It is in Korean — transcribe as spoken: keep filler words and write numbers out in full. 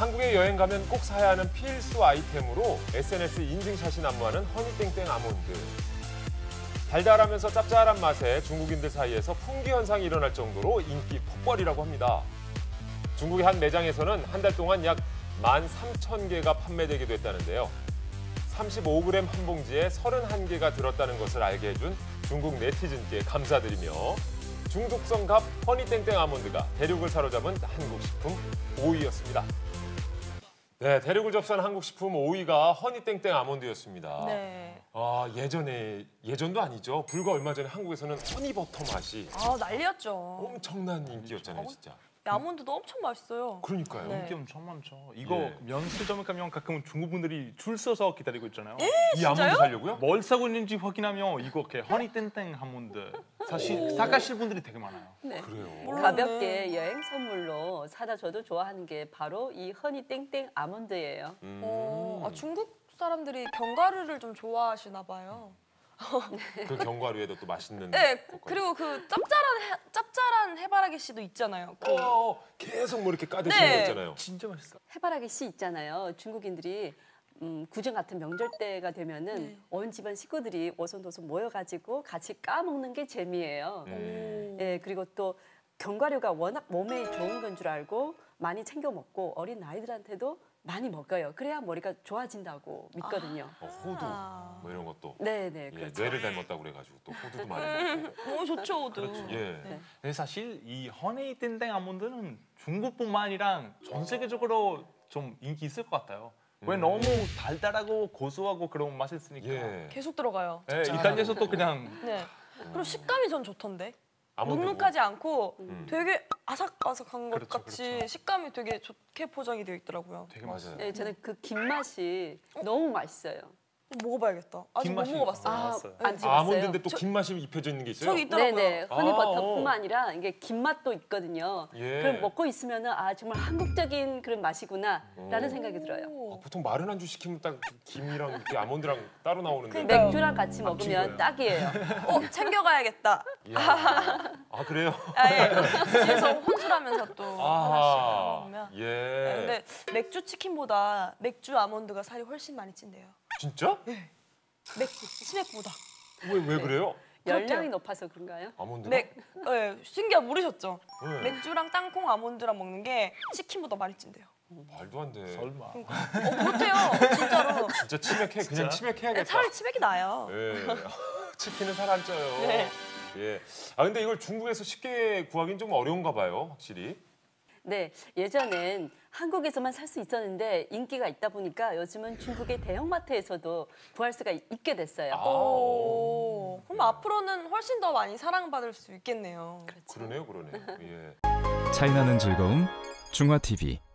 한국에 여행 가면 꼭 사야 하는 필수 아이템으로 에스엔에스 인증샷이 난무하는 허니땡땡 아몬드. 달달하면서 짭짤한 맛에 중국인들 사이에서 풍기 현상이 일어날 정도로 인기 폭발이라고 합니다. 중국의 한 매장에서는 한 달 동안 약 만 삼천 개가 판매되기도 했다는데요. 삼십오 그램 한 봉지에 서른한 개가 들었다는 것을 알게 해준 중국 네티즌께 감사드리며 중독성 갑 허니땡땡 아몬드가 대륙을 사로잡은 한국 식품 오 위였습니다. 네, 대륙을 접수한 한국 식품 오 위가 허니땡땡 아몬드였습니다. 네. 아, 예전에, 예전도 아니죠. 불과 얼마 전에 한국에서는 허니버터 맛이 아, 난리였죠. 엄청난 인기였잖아요, 진짜. 아몬드도 엄청 맛있어요. 그러니까요. 네. 인기 엄청 많죠. 이거 예. 면세점에 가면 가끔 중국 분들이 줄 서서 기다리고 있잖아요. 이 아몬드 사려고요? 뭘 사고 있는지 확인하면 이거 이렇게 허니땡땡 아몬드 사실 사가실 분들이 되게 많아요. 네. 그래요. 몰랐네. 가볍게 여행 선물로 사다 줘도 좋아하는 게 바로 이 허니땡땡 아몬드예요. 음. 어, 아, 중국 사람들이 견과류를 좀 좋아하시나 봐요. 그 견과류에도 또 맛있는. 네, 것까지. 그리고 그 짭짤한 해, 짭짤한 해바라기 씨도 있잖아요. 그, 어, 계속 뭐 이렇게 까드시는 네. 거 있잖아요. 진짜 맛있어. 해바라기 씨 있잖아요. 중국인들이 음, 구정 같은 명절 때가 되면은 네. 온 집안 식구들이 오손도손 모여가지고 같이 까먹는 게 재미예요. 음. 예, 그리고 또 견과류가 워낙 몸에 좋은 건 줄 알고 많이 챙겨 먹고 어린 아이들한테도 많이 먹어요. 그래야 머리가 좋아진다고 믿거든요. 어, 호두 아. 뭐 이런 것도. 네, 네, 예, 그렇죠. 뇌를 닮았다고 그래가지고 또 호두도 많이 먹고. 너무 좋죠, 오도. 그렇죠. 예. 네. 근데 사실 이 허니땡땡 아몬드는 중국뿐만 아니라 전 세계적으로 좀 인기 있을 것 같아요. 왜 음. 너무 달달하고 고소하고 그런 맛이 있으니까. 예. 계속 들어가요. 예, 이탈리아에서도 그냥 네. 그리고 식감이 전 좋던데. 아몬드고. 눅눅하지 않고 음. 되게 아삭아삭한 것 그렇죠, 같이 그렇죠. 식감이 되게 좋게 포장이 되어 있더라고요. 되게 맞아요. 맛있어요. 네, 저는 그 김 맛이 너무 맛있어요. 먹어봐야겠다. 아직 김 못 맛이 먹어봤어요. 아, 아, 알았어요. 안 아, 찍었어요? 아몬드인데 또 저- 긴 맛이 입혀져 있는 게 있어요? 저기 있더라고요. 네네, 아. 허니버터뿐만 아니라 이게 김 맛도 있거든요. 예. 그럼 먹고 있으면은 아 정말 한국적인 그런 맛이구나라는 오. 생각이 들어요. 아, 보통 마른 안주 시키면 딱 김이랑 이렇게 아몬드랑 따로 나오는데. 그러니까요. 맥주랑 같이 안 먹으면 튀겨요. 딱이에요. 어, 챙겨가야겠다. 이야. 아 그래요? 아, 예. 뒤에서 혼술하면서 또 하나씩 아하. 먹으면. 예. 네, 근데 맥주 치킨보다 맥주 아몬드가 살이 훨씬 많이 찐대요. 진짜? 맥 치맥보다. 왜 왜 그래요? 열량이 그렇대요. 높아서 그런가요? 아몬드가? 맥, 네, 신기하 모르셨죠? 네. 맥주랑 땅콩 아몬드랑 먹는 게 치킨보다 많이 찐대요. 말도 안 돼. 설마. 어, 그렇대요. 진짜로. 진짜 치맥해. 그냥 진짜? 치맥해야겠다. 차라리 치맥이 나아요. 예. 치킨은 살 안 쪄요. 네. 예. 아 근데 이걸 중국에서 쉽게 구하기는 좀 어려운가 봐요, 확실히. 네, 예전엔 한국에서만 살 수 있었는데 인기가 있다 보니까 요즘은 중국의 대형마트에서도 구할 수가 있- 있게 됐어요. 아. 오, 그럼 앞으로는 훨씬 더 많이 사랑받을 수 있겠네요. 그렇죠. 그러네요, 그러네요. 예. 차이나는 즐거움 중화티비